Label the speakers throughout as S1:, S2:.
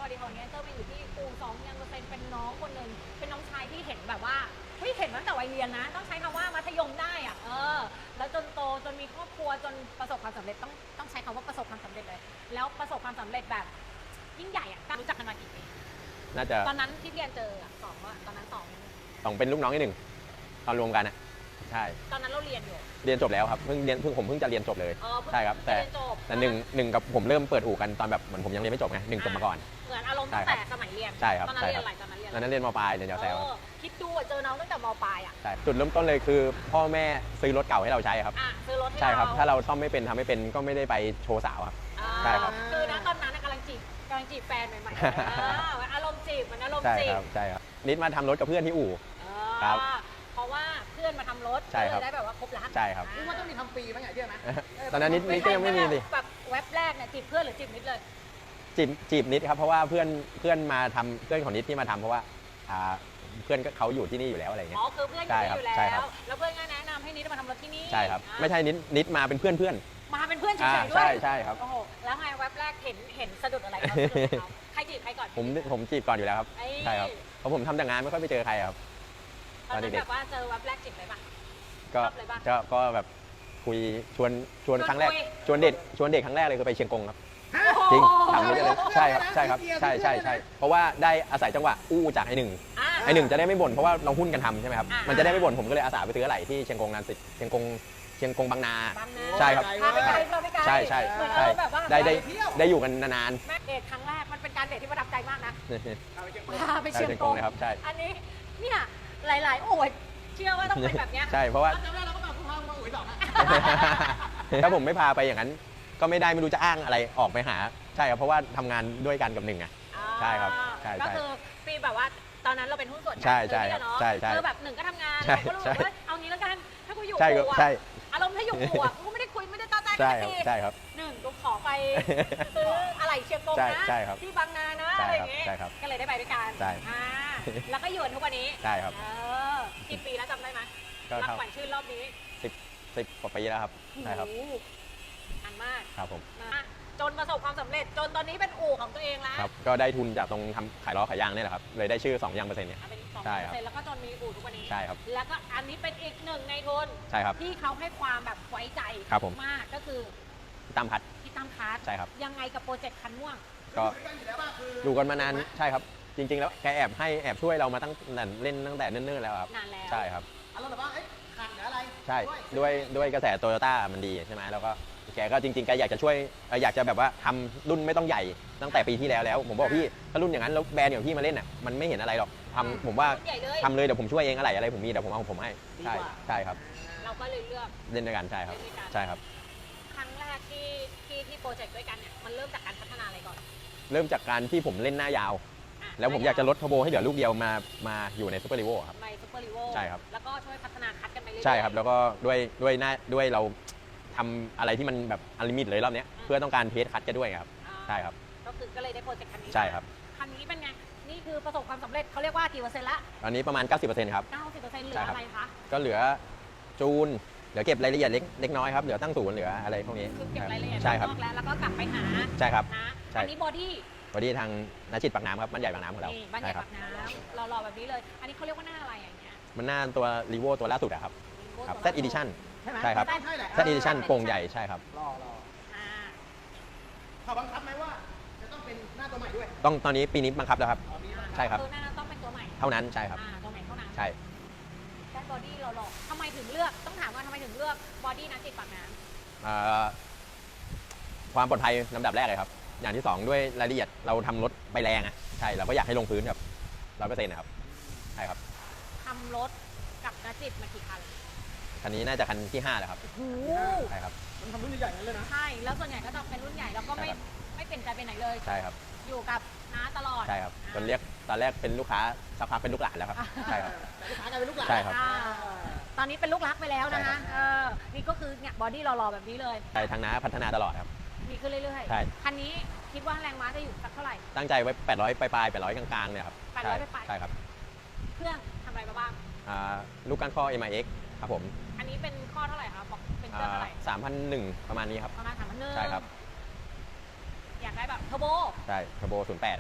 S1: ดีของเนี้ยเจ้าไปอยู่ที่อู่2%เป็นน้องคนหนึ่งเป็นน้องชายที่เห็นแบบว่าเฮ้ยเห็นตั้งแต่วัยเรียนนะต้องใช้คำว่ามัธยมได้อ่ะแล้วจนโตจนมีครอบครัวจนประสบความสำเร็จต้องใช้คำว่าประสบความสำเร็จเลยแล้วประสบความสำเร็จแบบยิ่งใหญ่อ่ะรู้จักกันมากี่ปี
S2: น่าจะ
S1: ตอนนั้นที่เรียนเจอสองว่าตอนนั้น
S2: สองเป็นลูกน้องที่หนึ่งตอนรวมกันนะใช่
S1: ตอนนั้นเราเรียนอยู่
S2: เรียนจบแล้วครับผมเพิ่งจะเรียนจบเลยใช่ครับแต่หนึ่งกับผมเริ่มเปิดอู่กันตอนแบบเหมือนผมยังเรียนไม่จบไงหนึ่งจบมาก่อน
S1: เหมือนอารมณ์ตั้งแต่สมัยเรียน
S2: ใช่ครับ
S1: ตอนนั้นเรียนอะไรตอนนั้นเรียน
S2: ตอนนั้นเรียนม.ปลายเรียนยาวแซว
S1: คิดดูเจอน้องตั้งแต่ม.ปลายอ่ะ
S2: ใช่จุดเริ่มต้นเลยคือพ่อแม่ซื้อรถเก่าให้เราใช้ครับ
S1: ซื้อรถให้
S2: ใช่ครับถ้าเราซ่อมไม่เป็นทำไม่เป็นก็ไม่ได้ไปโชว์สาวครับใช่ครับ
S1: คือนะตอนนั้นกำลังจีบแฟนใหม่ๆอารมณ์จีบมันอารมณ์จีบ
S2: ใช่ครับนิดมาทำรถกับเพื่อนที่อู่ครับ
S1: เพราะว่าเพื่อนมาทำรถเลยได้แบบว่าครบรัก
S2: ใช่ครับ
S3: นี่ว่าต้องมีทำฟรีบ้างไงเชื่อไหม
S2: ตอนนั้นนิดก็ยังไม่มีดิ
S1: แบบเว็บแรกเนี่ยจีบเพื่อนหรือจีบนิดเลย
S2: จีบนิดครับเพราะว่าเพื่อนมาทำเพื่อนของนิดที่มาทำเพราะว่าเพื่อนเขาอยู่ที่นี่อยู่แล้วอะไรเงี้ย
S1: คือเพื่อนอยู่นี่อยู่แล้วแล้วเพื่อนก็แนะนำให้นิดมาทำรถที่นี่
S2: ใช่ครับไม่ใช่นิดมาเป็นเพื่อน
S1: มาเป็นเพื่อนเฉยๆด้วย
S2: ใช่ครับ
S1: โอ้โหแล้วไงเว็บแรกเห็นสะดุดอะไรเขาใครจีบใครก่อน
S2: ผมจีบก่อนอยู่แล้วครับใช่ครับเพราะผมทำแต่งานไม่ค่อยไปเจอใครครับ
S1: ตอนนั้นแบบว่าเจอเว็บแรกจีบเลยป่ะ
S2: ก็แบบคุยชวนครั้งแรกชวนเด็กครั้งแรกเลยคือไปเชียงกงครับจริงถามเลยใช่ครับใช่เพราะว่าได้อาศัยจังหวะอู้จากไอ้หนึ่งจะได้ไม่บ่นเพราะว่าเราหุ้นกันทำใช่ไหมครับมันจะได้ไม่บ่นผมก็เลยอาสาไปซื้ออะไหล่ที่เชียงกงนานสิเชียงกงบางนาใช่ครับใช่ได้อยู่กันนาน
S1: แม่เดทครั้งแรกมันเป็นการเดทที่ประทับใจมากนะพาไปเชียงกง
S2: นะครับใช่
S1: อันนี้เนี่ยหลายๆโอ้ยเชื่อว่าต้องเป็นแบบเนี้ย
S2: ใช่เพราะว่าถ้าผมไม่พาไปอย่างนั้นก็ไม่รู้จะอ้างอะไรออกไปหาใช่ครับเพราะว่าทำงานด้วยกันกับหนึ่งอ่ะใช่ครับใช่
S1: ก็คือฟีแบบว่าตอนนั้นเราเป็นหุ้นส่วน
S2: ใช่
S1: คือแบบหนึ่งก็ทำงานเราก็รู้ว่าเอางี้แล้วกันถ้ากูอยู่กูอ่ะอารมณ์ถ้าอยู่กูอ่ะกูไม่ได้คุยไม่ได้ต้อใจไม่ได้ตี
S2: ใช่ครับ
S1: หนึ่งกูขอไปซื้ออะไรเชียงกงนะที่บางนานะอะไรอย่างเงี้ยก็เลยได้ไปด้วยกันแล้วก็อยู่ทุกวันนี้
S2: ใช่ครับ
S1: กี่ปีแล้วจำได้ไหมรับขวัญชื่นรอบนี้
S2: 10 กว่าปีแล้วครับใช่ครับ
S1: อันมาก
S2: ครับผม
S1: จนประสบความสำเร็จจนตอนนี้เป็นอู่ของตัวเองแล้ว
S2: ครับก็ได้ทุนจากตรงทำขายล้อขายยางนี่แหละครับเลยได้ชื่อ2 ยังเปอร์เซ็นต์เนี่ย
S1: เป็น2%แล้วก็จนมีอู่ทุกวันนี้
S2: ใช่ครับ
S1: แล้วก็อันนี้เป็นอีกหนึ่งในทุน
S2: ใช่ครับ
S1: ที่เขาให้ความแบบไว้ใจมากก็คือ
S2: พี่ตั้มคัทใช่ครับ
S1: ยังไงกับโปรเจกต์คันม่วง
S2: ก็อยู่กันมานานใช่ครับจริงๆแล้วแกแอบช่วยเรามาตั้งแต่เล่นตั้งแต่เนิ่นๆแล้วครับ
S1: นานแล้ว
S2: ใช่ครับ
S3: เราแบบว่าขันอะไร
S2: ใช่ด้วยกระแสโตโยต้ามันดีใช่ไหมแล้วก็แกก็จริงๆแกอยากจะช่วยอยากจะแบบว่าทำรุ่นไม่ต้องใหญ่ตั้งแต่ปีที่แล้วผมบอกพี่ถ้ารุ่นอย่างนั้นแล้วแบรนด์อย่างพี่มาเล่นอ่ะมันไม่เห็นอะไรหรอกผมว่าทำเลยเดี๋ยวผมช่วยเองอะไรผมมีเดี๋ยวผมเอาผมให้ใช่ครับ
S1: เราก็เลยเลือก
S2: เล่นด้วยกันใช่ครับใช่ครับ
S1: ครั้งแรกที่โปรเจกต์ด้วยกันเนี่ยมันเริ่มจากการพัฒนาอะไรก่อน
S2: เริ่มจากการที่ผมเล่นหน้ายาวแล้วผมอยากจะลดเทอร์โบให้เหลือลูกเดียวมาอยู่ในซูเปอร์ลีโวครับ
S1: ในซูเปอร์ลีโว
S2: ใช่ครับ
S1: แล้วก็ช่วยพัฒนาคัดกันไปเรื่อยๆ
S2: ใช่ครับแล้วก็ด้วยเราทำอะไรที่มันแบบอลิมิตเลยรอบนี้เพื่อต้องการเทสคัดกันด้วยครับใช่ครับ
S1: ก็เลยได้โปรเจกต์คันนี้
S2: ใช่ครับ
S1: คันนี้เป็นไงนี่คือประสบความสำเร็จเขาเรียกว่ากี่เปอร์เซ็นต์ละ
S2: ตอนนี้ประมาณ 90%ครับ
S1: 90%เหลืออะไรคะ
S2: ก็เหลือจูนเหลือเก็บรายละเอียดเล็กน้อยครับเหลือตั้งศูนย์เหลืออะไรพวกนี้
S1: คือเก็บรายละเอียด
S2: ใช่ครับ
S1: แล้วก็กลับไปหา
S2: ใช่ครับ
S1: นะอันนี้บอดี้
S2: ทางนักจิตปากน้ำครับบ้านใหญ่ปากน้ำของเรา
S1: บ้านใหญ่ปากน้ำเรารอแบบนี้เลยอันนี้เขาเรียกว่าหน้าอะไรอย่างเงี้ย
S2: มันหน้าตัวรีโวตัวล่าสุดอะครับZ Edition ใช่ครับ Z Edition โป่งใหญ่ใช่ครับ
S3: เขาบังคับไหมว่าจะต้องเป็นหน้าตัวใหม่ด้วย
S2: ต้องตอนนี้ปีนี้บังคับแล้วครับใช่ครับ
S1: หน้าต้องเป็นตัวใหม่
S2: เท่านั้นใช่ครับ
S1: ตัวใหม่เท่านั้น
S2: ใช่
S1: ด้านบอดี้เราหลอกทำไมถึงเลือกต้องถามว่าทำไมถึงเลือกบอดี้นักจิตปากน้
S2: ำความปลอดภัยลำดับแรกเลยครับอย่างที่2ด้วยรายละเอียดเราทำรถไปแรงอ่ะใช่เราก็อยากให้ลงพื้นแบบ100%นะครับใช่ครับ
S1: ทำรถกับนักจิตมากี่คัน
S2: คันนี้น่าจะคันที่5แล้วครับใช่ครับ
S3: มันทำรุ่นใหญ่ๆเลยนะ
S1: ใช่แล้วส่วนใหญ่ก็จะเป็นรุ่นใหญ่แล้วก็ไม่เปลี่ยนใจไปไหนเลย
S2: ใช่ครับ
S1: อยู่กับน้าตลอด
S2: ใช่ครับตอนแรกเป็นลูกค้าสักพักเป็นลูกหลานแล้วครับใช่ครับ
S3: ลูกค้ากลายเป็นลูกหลาน
S2: ใช่ครับ
S1: ตอนนี้เป็นลูกรักไปแล้วนะคะนี่ก็คือเนี่ยบอดี้รอๆแบบนี้เลย
S2: ใช่ทางน้าพัฒนาตลอดครับ
S1: มีขึ้นเรื่อยๆ
S2: ใช่
S1: คันนี้คิดว่าแรงม้าจะอยู่สักเท่าไหร่
S2: ตั้งใจไว้800ปลาย800กลางๆเนี่ยครับ
S1: 800ปลาย
S2: ใช่ครับ
S1: เครื่องทำอะไรมาบ้าง
S2: ลูกก้านข้อ MIX ครับผม
S1: อันนี้เป็นข้อเท่าไหร่คะบอกเป็นเครื่องเท่าไหร่
S2: 3,100ประมาณนี้ครับ
S1: ประมาณ3,100
S2: ใช่ครับ
S1: อยากได้แบบเทอร์โบ
S2: ใช่เทอร์โบ08ครับ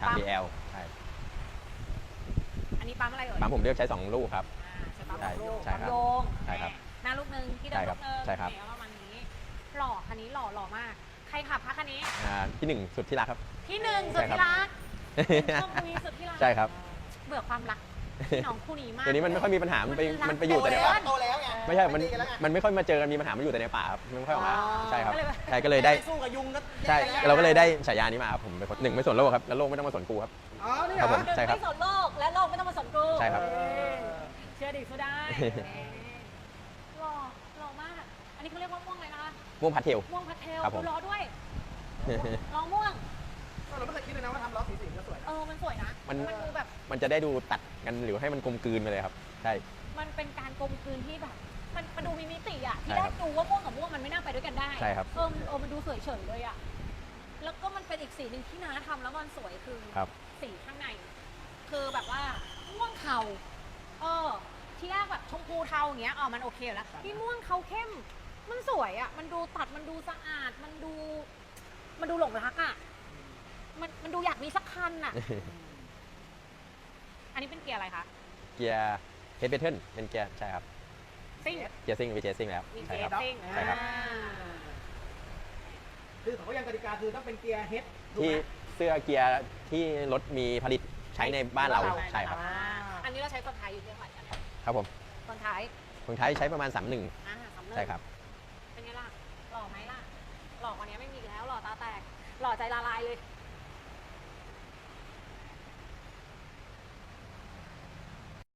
S2: ทาง BL ใช่
S1: อันนี้ปั๊มอะไรเอ่ย
S2: ปั๊มผมเลือกใช้ 2 ลูกครับ
S1: ใช่ปั๊ม
S2: ใช่
S1: ลูก
S2: ใช่ครับ
S1: ปั๊มโยง
S2: ใช่ครับ
S1: หน้าลูกนึงที่เดินลูกนึง
S2: ใช่ครับ
S1: เนี่ยประมาณนี้หล่อคันนี้หล่อมาก ใครขับคะคันนี้
S2: ที่ 1 สุดที่รักครับ
S1: ที่หนึ่งสุดที่รักชอบคุยสุดที่รัก
S2: ใช่ครับ
S1: เบื่อความรักพี่น้องคู่นี้มาก
S2: เดี๋ยวนี้มันไม่ค่อยมีปัญหา มันไปอยู่แต่ในป่า
S3: โตแล้วไง
S2: ไม่ใช่ มัน
S3: ตีกัแล้วไง
S2: มันไม่ค่อยมาเจอกันมีปัญหา มันอยู่แต่ในป่าครับมันไม่ค่อยออกมา
S3: อ๋อ
S2: ใช่ครับ
S1: ก็เลยแบบ
S2: ใช่ก็เลยได้
S3: สู้กับยุงก็
S2: ใช่
S3: แย่
S2: เราก็เลยได้ฉายานี้มาครับผมเป็นคนหนึ่งไม่สนโลกครับ แล้วโลกไม่ต้องมาสนกูครับ
S3: อ๋อนี่
S2: ครับ
S3: เหร
S2: ผ
S3: อ
S2: ม ใช่ครับ
S1: ไม่สนโลกและโลกไม่ต้องมาสนกู
S2: ใช่ครับ
S1: เชื่อดิสู้ได้หล่อมาก อันนี้เขาเรียกว่าม่วงอะไรนะคะ
S2: ม่วงพัดเทล
S1: ม่วงพัทเทล
S2: ครับผม
S1: ดูล้อด้วยล้อม่วง
S3: เราไม่เคยคิดเลยนะว่าทำล้อสีก็สวยนะ
S1: มันสวยนะ
S2: มัน
S1: ดูแบบ
S2: มันจะได้ดูตัดกันหรือให้มันกลมกลืนไปเลยครับ ใช่
S1: มันเป็นการกลมกลืนที่แบบ มันดูมีมิติอ่ะ ที่
S2: ใช่
S1: แร
S2: ครั
S1: ก
S2: บ
S1: ดูว่าม่วงกับม่วงมันไม่น่าไปด้วยกันได้
S2: ใช่ครับ
S1: มันดูสวยเฉยเลยอ่ะ แล้วก็มันเป็นอีกสีหนึ่งที่น้าทำแล้วมันสวยคือ
S2: ครับ
S1: สีข้างใน คือแบบว่าม่วงเทาที่แรกแบบชมพูเทาอย่างเงี้ยมันโอเคอยู่แล้วที่ม่วงเทาเข้ม มันสวยอ่ะ มันดูตัด มันดูสะอาด มันดูหลงรักอ่ะ มันดูอยากมีสักคันอ่ะ อันนี้เป็นเกียร์อะไรคะ
S2: เกียร์เฮดเบเทิลเป็นเกียร์ใช่ครับ
S1: ซิ่ง
S2: เกียร์ซิ่งวิเจซิ่งแล้ว
S1: มี
S2: ใช่
S1: เกีย
S2: ครับ
S1: ร์ซิ่ง
S2: ใช่ครับ
S3: คือเขาก็ยังกติกาคือต้องเป็นเกียร์เฮดถูก
S2: ที่
S3: ไหม
S2: เสื้อเกียร์ที่รถมีผลิตใช้ในบ้านเราใช่ครับ
S1: อันนี้เราใช้คนท้ายอยู่ที่เท่าไหร่กัน
S2: ครับผม
S1: คนท้าย
S2: คนไทยใช้ประมาณ 31
S1: สำเร็จ
S2: ใช่ครับ
S1: เป็นไงล่ะ หล่อไหมล่ะ หล่อกว่านี้ไม่มีอีกแล้ว หล่อตาแตก หล่อใจละลายเลย